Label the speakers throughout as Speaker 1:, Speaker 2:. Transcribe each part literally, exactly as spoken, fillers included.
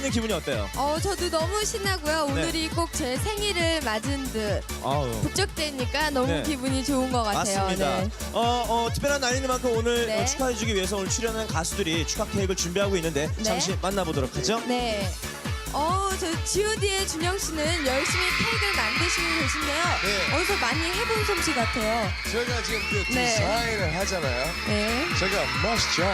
Speaker 1: 씨는 기분이 어때요?
Speaker 2: 어, 저도 너무 신나고요. 오늘이 꼭 제 생일을 맞은 듯
Speaker 1: 아유.
Speaker 2: 북적대니까 너무
Speaker 1: 네.
Speaker 2: 기분이 좋은 것 같아요.
Speaker 1: 맞습니다.
Speaker 2: 네.
Speaker 1: 어, 어, 특별한 날인 만큼 오늘
Speaker 2: 네.
Speaker 1: 어, 축하해주기 위해서 오늘 출연한 가수들이 축하 케이크를 준비하고 있는데
Speaker 2: 네.
Speaker 1: 잠시 만나보도록 하죠.
Speaker 2: 네. 어, 저 지오디의 준영 씨는 열심히 케이크를 만드시고 계신데요.
Speaker 3: 네.
Speaker 2: 어디서 많이 해본 솜씨 같아요.
Speaker 3: 저희가 지금 그
Speaker 2: 네.
Speaker 3: 디자인을 하잖아요.
Speaker 2: 네.
Speaker 3: 제가 멋있죠.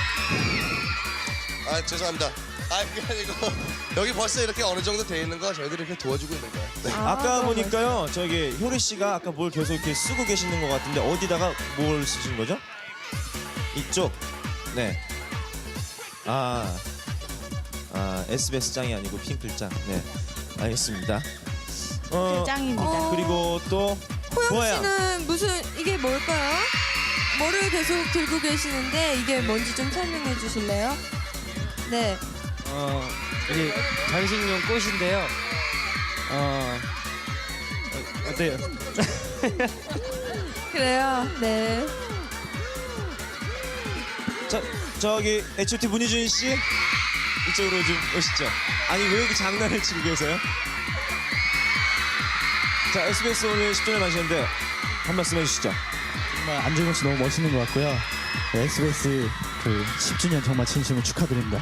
Speaker 3: 아 죄송합니다. 아 그게 아니고 여기 벌써 이렇게 어느 정도 돼 있는 거 저희들이 이렇게 도와주고 있는 거예요. 네.
Speaker 2: 아,
Speaker 1: 아까
Speaker 2: 너무
Speaker 1: 보니까요, 저기 효리 씨가 아까 뭘 계속 이렇게 쓰고 계시는 것 같은데 어디다가 뭘 쓰신 거죠? 이쪽. 네. 아, 아 에스비에스 짱이 아니고 핑클 짱. 네, 알겠습니다. 어,
Speaker 4: 짱입니다.
Speaker 2: 어.
Speaker 1: 그리고 또
Speaker 2: 호영
Speaker 1: 보아요.
Speaker 2: 씨는 무슨 이게 뭘까요? 뭐를 계속 들고 계시는데 이게 뭔지 좀 설명해 주실래요? 네.
Speaker 5: 어, 이게 장식용 꽃인데요. 어, 어 어때요?
Speaker 2: 그래요. 네.
Speaker 1: 저 저기 에이치 오 티 문희준 씨 이쪽으로 좀 오시죠. 아니 왜 이렇게 장난을 치고 계세요? 자, 에스비에스 오늘 십 주년 하시는데 한 말씀 해주시죠.
Speaker 6: 정말 안정현 씨 너무 멋있는 것 같고요. 네, 에스비에스 그 십 주년 정말 진심으로 축하드립니다.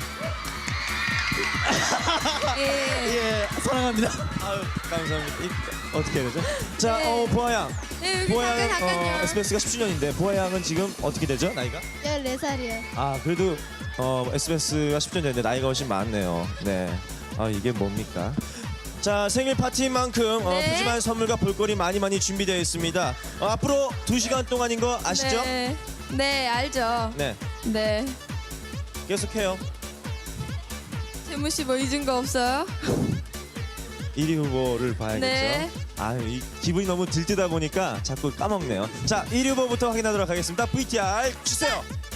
Speaker 2: 예.
Speaker 6: 예, 사랑합니다.
Speaker 1: 아유, 감사합니다. 이, 어떻게 해야 되죠? 자,
Speaker 2: 네.
Speaker 1: 어, 보아 양.
Speaker 2: 네, 여기
Speaker 1: 보아
Speaker 2: 잠깐
Speaker 1: 양, 어,
Speaker 2: 잠깐요.
Speaker 1: 에스비에스가 십 주년인데 보아 양은 지금 어떻게 되죠? 나이가?
Speaker 2: 열네 살이요.
Speaker 1: 아, 그래도 어, 에스비에스가 십 주년 됐는데 나이가 훨씬 많네요. 네. 아, 이게 뭡니까? 자, 생일 파티인 만큼 어,
Speaker 2: 네.
Speaker 1: 푸짐한 선물과 볼거리 많이 많이 준비되어 있습니다. 어, 앞으로 두 시간 동안인 거 아시죠?
Speaker 2: 네. 네, 알죠.
Speaker 1: 네.
Speaker 2: 네.
Speaker 1: 계속해요.
Speaker 2: 재무 씨 뭐 잊은 거 없어요?
Speaker 1: 일 위 후보를 봐야겠죠.
Speaker 2: 네.
Speaker 1: 아유, 이 기분이 너무 들뜨다 보니까 자꾸 까먹네요. 자, 일 위 후보부터 확인하도록 하겠습니다. 브이티알 주세요.